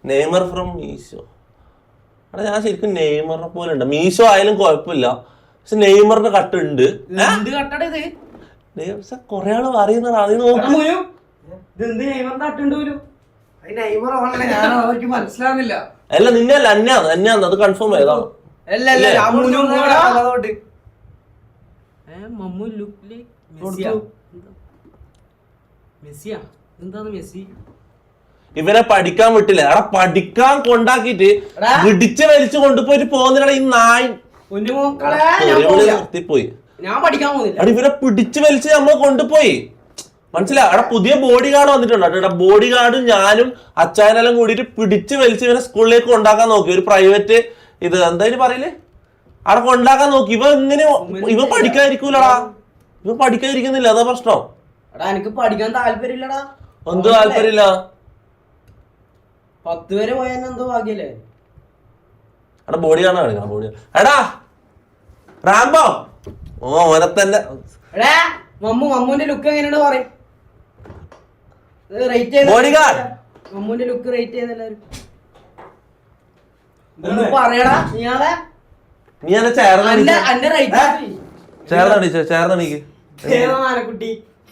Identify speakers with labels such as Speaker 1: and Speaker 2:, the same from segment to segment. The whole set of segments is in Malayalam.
Speaker 1: Neymar from Meesho. എടാ ഞാൻ ശരിക്കും നെയ്മറിനെ പോലെ ഉണ്ട്. മീശോ ആയാലും കുഴപ്പമില്ല, പക്ഷെ നെയ്മറിന്റെ കട്ടുണ്ട്. കൊറേ ആള് പറയുന്നതാണ്. അത് നോക്ക്.
Speaker 2: മനസ്സിലാവുന്നില്ല.
Speaker 1: അല്ല നിന്നെ അല്ല അന്യാന്ന് അത് കൺഫേം ചെയ്താ. ഇവനെ പഠിക്കാൻ വിട്ടില്ല. എടാ പഠിക്കാൻ കൊണ്ടാക്കിട്ട് ഇടിച്ച് വലിച്ചു കൊണ്ടുപോയിട്ട് പോകുന്നില്ല ഈ നായി. നിർത്തിപ്പോയി. എടാ ഇവരെ പിടിച്ചു വലിച്ച് നമ്മൾ കൊണ്ടുപോയി. മനസ്സിലായി? അവിടെ പുതിയ ബോഡി ഗാർഡ് വന്നിട്ടുണ്ട്. എടാ ബോഡി ഗാർഡും ഞാനും അച്ചായനെല്ലാം കൂടിയിട്ട് പിടിച്ച് വലിച്ച് ഇവനെ സ്കൂളിലേക്ക് കൊണ്ടാക്കാൻ നോക്കി. ഒരു പ്രൈവറ്റ് ഇത് എന്തായാലും പറയില്ലേ, അവിടെ കൊണ്ടാക്കാൻ നോക്കി. ഇവ പഠിക്കാതിരിക്കൂലടാ. ഇവ പഠിക്കാതിരിക്കുന്നില്ല, അതാ പ്രശ്നം.
Speaker 2: എനിക്ക് പഠിക്കാൻ താല്പര്യമില്ലടാ.
Speaker 1: എന്ത് താല്പര്യമില്ല?
Speaker 2: 10 വരെ പോയാൽ എന്തോ ഭാഗ്യല്ലേ.
Speaker 1: എടാ ബോഡി ഗാർഡ് കാണിക്കണം. ബോഡി എടാ റാംബോ. ഓ ഓനെ തന്നെ.
Speaker 2: മമ്മൂന്റെ ലുക്ക് എങ്ങനെയാണ് പറയും? മമ്മൂന്റെ ലുക്ക് റേറ്റ് ചെയ്തെല്ലാരും പറയടാ.
Speaker 1: നീ എന്നെ ചേർന്നണിക്ക്.
Speaker 2: കുട്ടി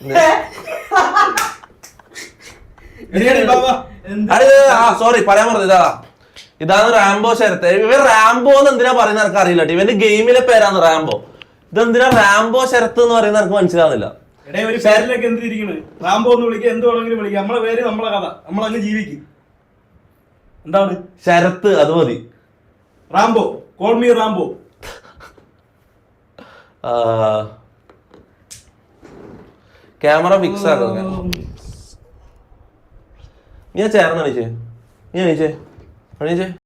Speaker 1: സോറി പറയാൻ പറഞ്ഞത് ഇതാണ് റാംബോ ശരത്ത്. ഇവൻ റാംബോ എന്ന് എന്തിനാ പറയുന്നത് എനിക്ക് അറിയില്ല. ഇവന്റെ ഗെയിമിലെ പേരാണ് റാംബോ. ഇതെന്തിനാ റാംബോ ശരത്ത് എന്ന് പറയുന്നത് എനിക്ക് മനസ്സിലാവുന്നില്ല.
Speaker 3: റാംബോ എന്ന് വിളിക്കുക, എന്ത് വേണമെങ്കിലും വിളിക്കുക. നമ്മളെ പേര് നമ്മളെ കഥ, നമ്മളങ്ങ് ജീവിക്കും. എന്താണ്
Speaker 1: ശരത്ത്? അത് മതി.
Speaker 3: Rambo, call me Rambo.
Speaker 1: Camera fix ആക്കാം. നീ ചേർന്ന് എണീച്ചേ.